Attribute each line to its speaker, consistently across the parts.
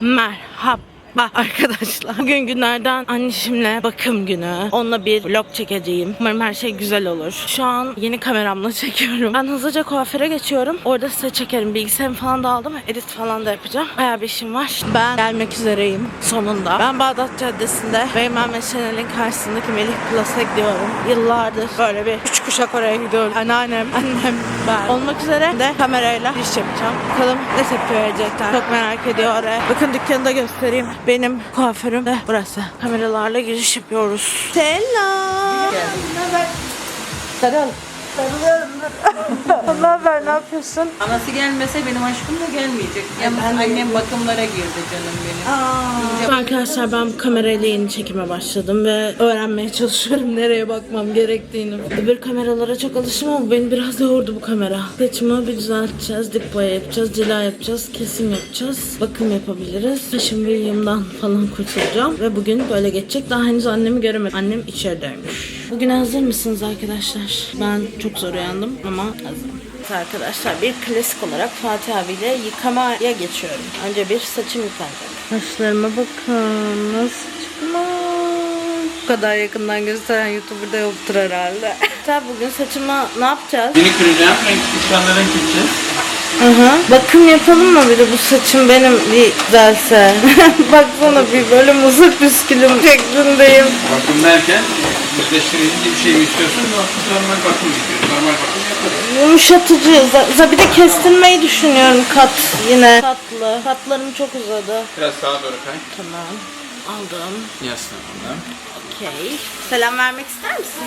Speaker 1: Merhaba arkadaşlar. Bugün günlerden anneşimle bakım günü. Onunla bir vlog çekeceğim. Umarım her şey güzel olur. Şu an yeni kameramla çekiyorum. Ben hızlıca kuaföre geçiyorum. Orada size çekerim. Bilgisayarımı falan da aldım. Edit falan da yapacağım. Bayağı bir işim var. Ben gelmek üzereyim sonunda. Ben Bağdat Caddesi'nde Beymen ve Şenel'in karşısındaki Melih Plus'a gidiyorum. Yıllardır böyle bir 3 kuşak oraya gidiyorum. Anneannem, annem, ben olmak üzere de kamerayla iş yapacağım. Bakalım ne tepki verecekler. Çok merak ediyor oraya. Bakın dükkanı da göstereyim. Benim kuaförüm de burası. Kameralarla giriş yapıyoruz. Selam. Sarıl. Sarılıyorum. Ne haber? Ne yapıyorsun?
Speaker 2: Anası gelmese benim aşkım da gelmeyecek. Yalnız annem bakımlara girdi canım benim.
Speaker 1: Arkadaşlar ben bu kamerayla yeni çekime başladım ve öğrenmeye çalışıyorum nereye bakmam gerektiğini. Öbür kameralara çok alışım ama beni biraz yordu bu kamera. Saçımı bir düzelteceğiz, dip boya yapacağız, cila yapacağız, kesim yapacağız, bakım yapabiliriz. Saçım ve yığımdan falan kurtulacağım ve bugün böyle geçecek. Daha henüz annemi göremedim. Annem içerideymiş. Bugün hazır mısınız arkadaşlar? Ben çok zor uyandım ama hazırım. Arkadaşlar bir klasik olarak Fatih abiyle yıkamaya geçiyorum. Önce bir saçım yıkanacak. Saçlarıma bakın nasıl çıkmış. Bu kadar yakından gösteren YouTuber'da yoktur herhalde. Tabi bugün saçıma ne yapacağız?
Speaker 3: Yeni kıracağım, renk renk gideceğiz.
Speaker 1: Bakım yapalım mı bir de bu saçım benim bir güzelse. Baksana bir böyle mızık püskülüm şeklindeyim.
Speaker 3: Bakım derken yüzleştirici bir şey mi istiyorsun? Normal bakım istiyorsun. Normal bakım yaparız.
Speaker 1: Yumuşatıcı. Bir de kestirmeyi düşünüyorum kat yine. Katlı. Katlarım çok uzadı.
Speaker 3: Biraz sağa doğru kay.
Speaker 1: Tamam. Aldım.
Speaker 3: Yaslanalım.
Speaker 1: Okey. Selam vermek ister misin?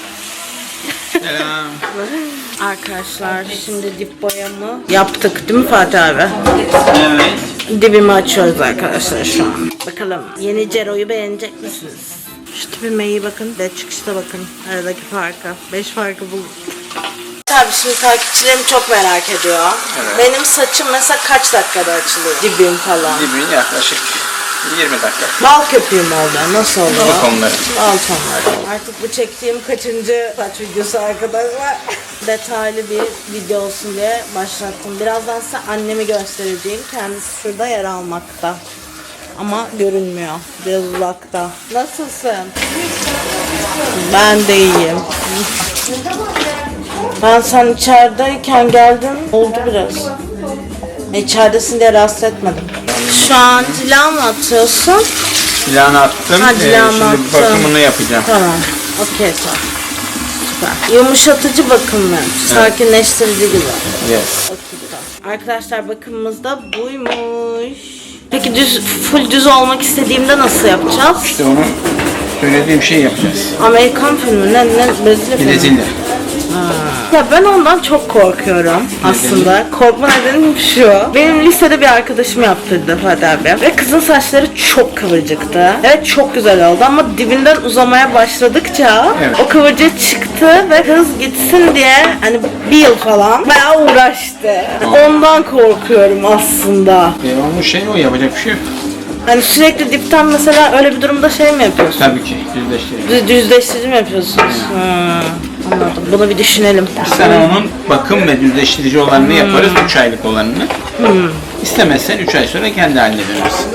Speaker 3: Selam.
Speaker 1: Arkadaşlar şimdi dip boyamı yaptık değil mi Fatih abi?
Speaker 3: Evet.
Speaker 1: Dibimi açıyoruz arkadaşlar şu an. Bakalım yeni Cero'yu beğenecek misiniz? Şu tipime iyi bakın. De çıkışta bakın. Aradaki farka. 5 farkı bulun. Tabii şimdi takipçilerim çok merak ediyor.
Speaker 3: Evet.
Speaker 1: Benim saçım mesela kaç dakikada açılıyor? Dibim falan.
Speaker 3: Dibin yaklaşık 20 dakika.
Speaker 1: Bal köpüğüm oldu. Nasıl oldu?
Speaker 3: Bal tonları.
Speaker 1: Bal tonları. Artık bu çektiğim kaçıncı saç videosu arkadaşlar. Detaylı bir video olsun diye başlattım. Birazdan size annemi göstereceğim. Kendisi şurada yer almakta. Ama görünmüyor. Biraz uzakta. Nasılsın? Ben de iyiyim. Ben sen içerideyken geldim. Oldu biraz. İçeridesin diye rahatsız etmedim. Şu an cila mı atıyorsun?
Speaker 3: Silahını attım.
Speaker 1: Ha, silahını
Speaker 3: şimdi
Speaker 1: attım.
Speaker 3: bakımını yapacağım.
Speaker 1: Tamam. Okey tamam. Süper. Yumuşatıcı bakım mı? Sakinleştirici gibi.
Speaker 3: Yes.
Speaker 1: Okey tamam. Arkadaşlar bakımımız da buymuş. Peki full düz olmak istediğimde nasıl yapacağız?
Speaker 3: İşte onu söylediğim şey yapacağız.
Speaker 1: Amerikan filmi ne Brezilya filmi?
Speaker 3: Brezilya.
Speaker 1: Ya ben ondan çok korkuyorum aslında. Korkma nedenim şu. Benim lisede bir arkadaşım yaptırdı Fatih abi. Ve kızın saçları çok kıvırcıktı. Evet çok güzel oldu ama dibinden uzamaya başladıkça
Speaker 3: evet,
Speaker 1: o kıvırcık çıktı ve kız gitsin diye hani bir yıl falan bayağı uğraştı. Ondan korkuyorum aslında.
Speaker 3: Devamlı şey o, yapacak bir şey yok.
Speaker 1: Hani sürekli dipten mesela öyle bir durumda şey mi yapıyorsun?
Speaker 3: Tabii ki düzleştirelim.
Speaker 1: Düzleştirici mi yapıyorsunuz? Anladım. Bunu bir düşünelim.
Speaker 3: Sana onun bakım ve düzleştirici olanını yaparız, 3 aylık olanını. İstemezsen 3 ay sonra kendi haline dönersin.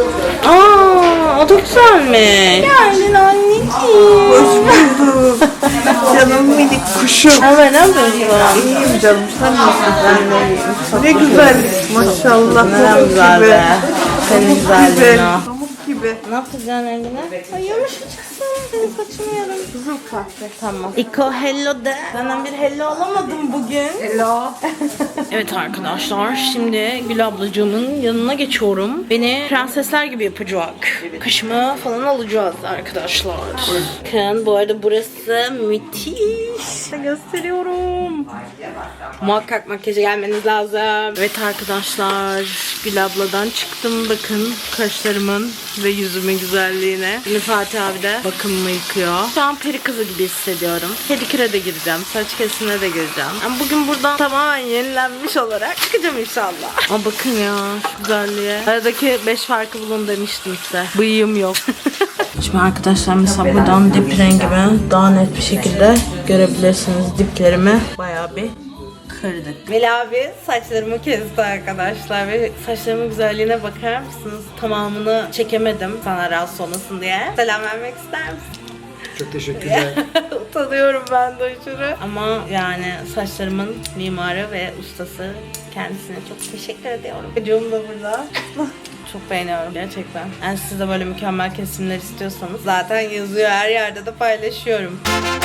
Speaker 1: O da güzelmiş. Geldin anneciğim. Hoş bulduk.
Speaker 4: Canım minik kuşum.
Speaker 1: Hemen ne yapıyorsun?
Speaker 4: İyiyim canım, sen nasılsın? Ne güzellik maşallah.
Speaker 1: Ne güzel be. Senin güzelliğin
Speaker 4: Güzel.
Speaker 1: o.
Speaker 4: Pamuk gibi.
Speaker 1: Ne yapacaksın eline? Ay yumuşacaksın. Senin saçını yarım.
Speaker 4: Kızıl kahve.
Speaker 1: Tamam. İko hello de. Senden bir hello alamadım bugün.
Speaker 4: Hello.
Speaker 1: Evet arkadaşlar şimdi Gül ablacığımın yanına geçiyorum. Beni prensesler gibi yapacak. Kaşımı falan alacağız arkadaşlar. Bakın bu arada burası müthiş. Gösteriyorum. Muhakkak makyaja gelmeniz lazım. Evet arkadaşlar Gül abladan çıktım. Bakın kaşlarımın ve yüzümün güzelliğine. Şimdi Fatih abi de bakımımı yıkıyor. Şu an peri kızı gibi hissediyorum. Pediküre de gireceğim. Saç kesimine de gireceğim. Ama bugün buradan tamamen yenilenmiş olarak çıkacağım inşallah. Ama bakın ya şu güzelliğe. Aradaki 5 farkı bulun demiştim size. Bıyığım yok. Şimdi arkadaşlar mesela buradan dip rengimi daha net bir şekilde görebilirsiniz. Diplerimi bayağı bir kırdık. Veli abi saçlarımı kesti arkadaşlar ve saçlarımın güzelliğine bakar mısınız? Tamamını çekemedim sana rahatsız olmasın diye. Selam vermek ister misin?
Speaker 5: Çok teşekkürler.
Speaker 1: Utanıyorum ben de aşırı. Ama yani saçlarımın mimarı ve ustası, kendisine çok teşekkür ediyorum. Çocuğum da burada. Çok beğeniyorum gerçekten. Yani siz de böyle mükemmel kesimler istiyorsanız zaten yazıyor, her yerde de paylaşıyorum.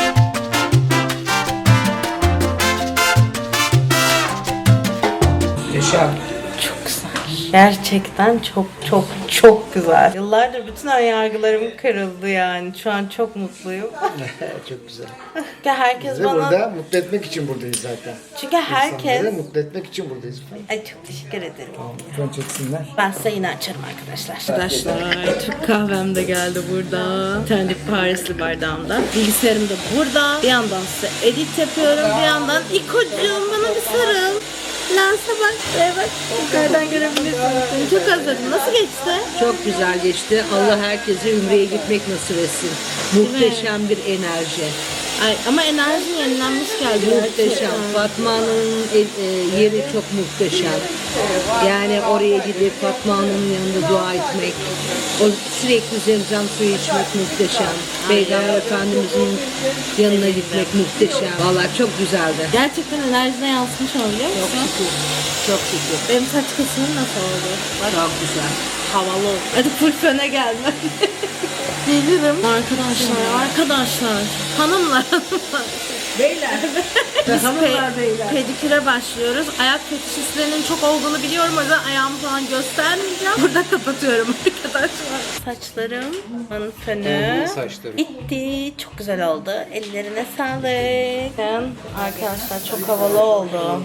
Speaker 5: Yaşar.
Speaker 1: Çok güzel. Gerçekten çok güzel. Yıllardır bütün önyargılarım kırıldı yani. Şu an çok mutluyum.
Speaker 5: Çok güzel.
Speaker 1: Çünkü herkes
Speaker 5: Biz de
Speaker 1: bana...
Speaker 5: burada mutlu etmek için buradayız zaten.
Speaker 1: Çünkü herkes...
Speaker 5: İnsanları mutlu etmek için buradayız.
Speaker 1: Ay çok teşekkür ederim.
Speaker 5: Lütfen çeksinler.
Speaker 1: Ben size yine açarım arkadaşlar. Arkadaşlar Türk kahvem de geldi burada. Bir tane de Parisli bardağımda. Bilgisayarım da burada. Bir yandan size edit yapıyorum. Bir yandan İkocuğum bana bir sarıl. Lansa bak, bak. Yukarıdan görebilirsiniz. Çok özledim. Nasıl geçti?
Speaker 6: Çok güzel geçti. Allah herkese Ümre'ye gitmek nasip etsin. Muhteşem bir enerji.
Speaker 1: Ay, ama enerji yenilenmiş geldi.
Speaker 6: Muhteşem. Fatma Hanım'ın yeri çok muhteşem. Yani oraya gidip Fatma Hanım'ın yanında dua etmek, o sürekli zemzem suyu içmek muhteşem. Peygamber Efendimiz'in yanına gitmek muhteşem. Vallahi çok güzeldi.
Speaker 1: Gerçekten enerjine yansımış olabiliyor
Speaker 6: Çok
Speaker 1: musun?
Speaker 6: şükür. Çok şükür.
Speaker 1: Benim saç kısmım nasıl oldu?
Speaker 6: Çok güzel.
Speaker 1: Havalı oldu. Hadi full föne gelme. Gelirim. Arkadaşlar. Hanımlar.
Speaker 6: Beyler.
Speaker 1: Biz
Speaker 6: Hanımlar, beyler.
Speaker 1: pediküre başlıyoruz. Ayak fetişistlerinin çok olduğunu biliyorum. O yüzden ayağımı falan göstermeyeceğim. Burada kapatıyorum arkadaşlar. Saçlarım fönü bitti. Çok güzel oldu. Ellerine sağlık. Arkadaşlar çok havalı oldu.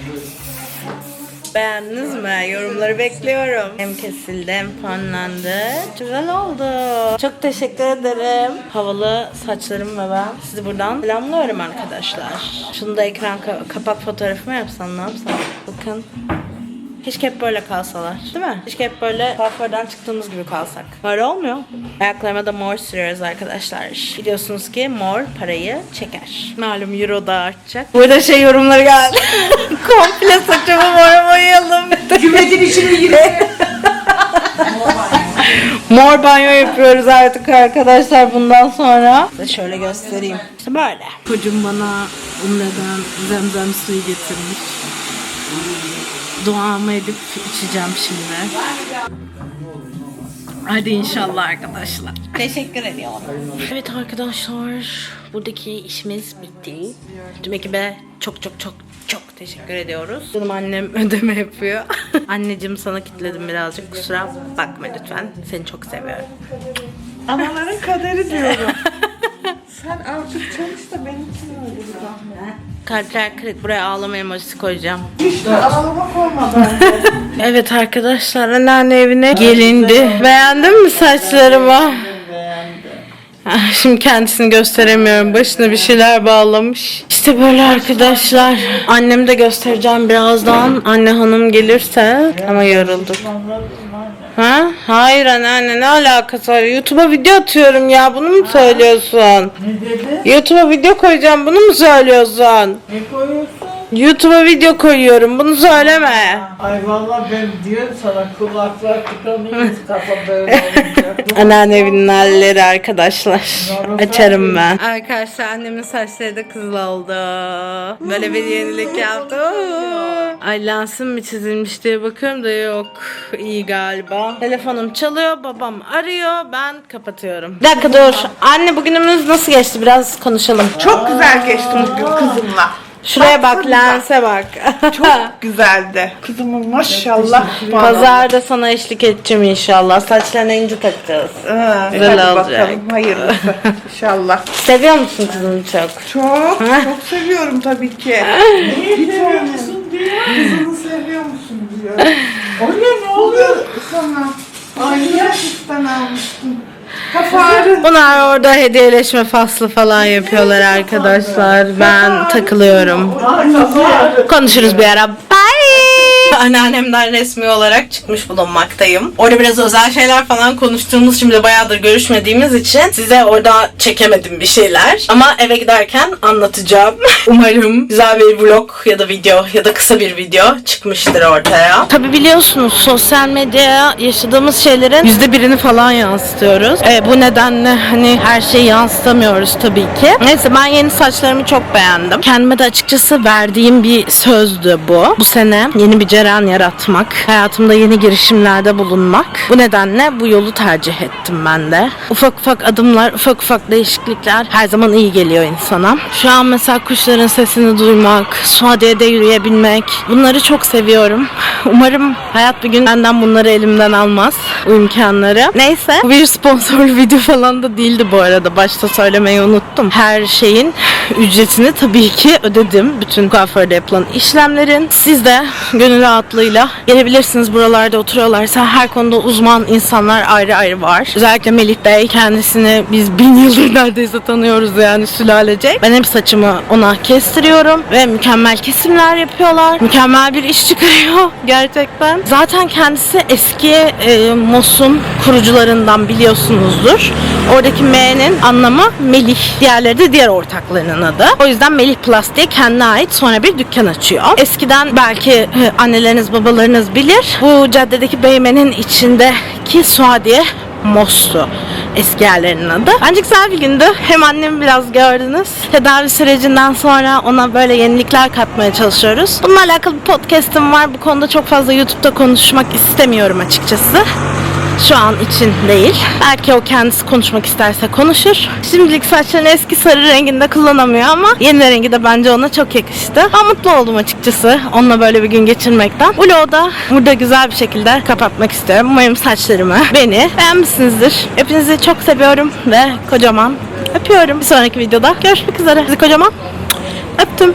Speaker 1: Beğendiniz mi? Yorumları bekliyorum. Hem kesildi hem fonlandı. Güzel oldu. Çok teşekkür ederim. Havalı saçlarım ve ben sizi buradan selamlıyorum arkadaşlar. Şunu da ekran kapak fotoğrafı mı yapsam, ne yapsam? Bakın. Keşke hep böyle kalsalar. Değil mi? Keşke hep böyle kuaförden çıktığımız gibi kalsak. Böyle olmuyor. Ayaklarıma da mor sürüyoruz arkadaşlar. Biliyorsunuz ki mor parayı çeker. Malum euro da artacak. Burada yorumları geldi. Komple saçımı mora boyayalım.
Speaker 6: Cümletin içine girdi.
Speaker 1: Mor banyo yapıyoruz artık arkadaşlar bundan sonra. Size şöyle göstereyim. İşte böyle. Kocam bana Umre'den zemzem suyu getirmiş. Duamı edip içeceğim şimdi. Hadi inşallah arkadaşlar. Teşekkür ediyorum. Evet arkadaşlar, buradaki işimiz bitti. Tüm ekibe çok teşekkür ediyoruz. Canım annem ödeme yapıyor. Anneciğim sana kilitledim birazcık, kusura bakma lütfen. Seni çok seviyorum.
Speaker 4: Anaların kaderi diyorum. Sen artık çalış da benim için öyle bir zahmet.
Speaker 1: Kalpler kırık, buraya ağlama emojisi koyacağım.
Speaker 4: İşte ağlamak olmadı.
Speaker 1: Evet arkadaşlar, anneanne evine gelindi. Beğendin mi saçlarımı? Şimdi kendisini gösteremiyorum. Başına bir şeyler bağlamış. İşte böyle arkadaşlar. Annemi de göstereceğim birazdan. Anne hanım gelirse. Ama yorulduk. Ha? Hayır anneanne, ne alakası var? YouTube'a video atıyorum ya. Bunu mu söylüyorsun?
Speaker 4: Ne dedi?
Speaker 1: YouTube'a video koyacağım. Bunu mu söylüyorsun?
Speaker 4: Ne koyuyorsun?
Speaker 1: YouTube'a video koyuyorum. Bunu söyleme.
Speaker 4: Ay vallahi ben diyorum sana kulaklar tıkanıyor. Kafa böyle olacak.
Speaker 1: Anneanne evinin halleri arkadaşlar. Açarım ben. Arkadaşlar annemin saçları da kızıl oldu. Böyle bir yenilik yaptı. Ay lansım mı çizilmiş diye bakıyorum da yok. İyi galiba. Telefonum çalıyor. Babam arıyor. Ben kapatıyorum. Bir dakika dur. Anne bugünümüz nasıl geçti? Biraz konuşalım.
Speaker 7: Çok güzel geçti bugün kızımla.
Speaker 1: Şuraya bak,
Speaker 7: Baksanıza.
Speaker 1: lense bak.
Speaker 7: Çok güzeldi. Kızımın maşallah.
Speaker 1: Pazarda sana eşlik edeceğim inşallah. Saçlarına inci takacağız. Güzel
Speaker 7: Hadi
Speaker 1: olacak.
Speaker 7: bakalım hayırlısı inşallah.
Speaker 1: Seviyor musun kızını çok?
Speaker 7: Çok seviyorum tabii ki.
Speaker 4: Neyi seviyor musun diyor. Kızını seviyor musun diyor. Öyle ne oluyor sana? Ay yaşlıktan almıştım. Kafarı.
Speaker 1: Bunlar orada hediyeleşme faslı falan yapıyorlar arkadaşlar. Ben takılıyorum. Konuşuruz bir ara. Bye. Anneannemden resmi olarak çıkmış bulunmaktayım. Orada biraz özel şeyler falan konuştuğumuz, şimdi bayağıdır görüşmediğimiz için size orada çekemedim bir şeyler. Ama eve giderken anlatacağım. Umarım güzel bir vlog ya da video ya da kısa bir video çıkmıştır ortaya. Tabi biliyorsunuz sosyal medyaya yaşadığımız şeylerin %1'ini falan yansıtıyoruz. Bu nedenle hani her şeyi yansıtamıyoruz tabii ki. Neyse, ben yeni saçlarımı çok beğendim. Kendime de açıkçası verdiğim bir sözdü bu. Bu sene yeni bir cereyan yaratmak, hayatımda yeni girişimlerde bulunmak. Bu nedenle bu yolu tercih ettim ben de. Ufak ufak adımlar, ufak ufak değişiklikler her zaman iyi geliyor insana. Şu an mesela kuşların sesini duymak, Suadiye'de yürüyebilmek, bunları çok seviyorum. Umarım hayat bir gün benden bunları elimden almaz, bu imkanları. Neyse, bu bir sponsorlu video falan da değildi bu arada. Başta söylemeyi unuttum. Her şeyin ücretini tabii ki ödedim. Bütün kuaförde yapılan işlemlerin. Siz de gönül rahatlığıyla gelebilirsiniz. Buralarda oturuyorlarsa her konuda uzman insanlar ayrı ayrı var. Özellikle Melih Bey, kendisini biz 1000 yıldır neredeyse tanıyoruz yani, sülalecek. Ben hep saçımı ona kestiriyorum ve mükemmel kesimler yapıyorlar. Mükemmel bir iş çıkarıyor gerçekten. Zaten kendisi eski Mos'un kurucularından, biliyorsunuzdur. Oradaki M'nin anlamı Melih. Diğerleri de diğer ortaklarının adı. O yüzden Melih Plus diye kendine ait sonra bir dükkan açıyor. Eskiden belki anneleriniz, babalarınız bilir. Bu caddedeki Beymen'in içindeki Suadiye Mos'tu eski yerlerinin adı. Bence güzel bir gündü. Hem annemi biraz gördünüz. Tedavi sürecinden sonra ona böyle yenilikler katmaya çalışıyoruz. Bununla alakalı bir podcast'im var. Bu konuda çok fazla YouTube'da konuşmak istemiyorum açıkçası. Şu an için değil. Belki o kendisi konuşmak isterse konuşur. Şimdilik saçlarını eski sarı renginde kullanamıyor ama yeni rengi de bence ona çok yakıştı. Ben mutlu oldum açıkçası onunla böyle bir gün geçirmekten. Vlogu da burada güzel bir şekilde kapatmak istiyorum. Umarım saçlarımı, beni beğenmişsinizdir. Hepinizi çok seviyorum ve kocaman öpüyorum. Bir sonraki videoda görüşmek üzere. Sizi kocaman öptüm.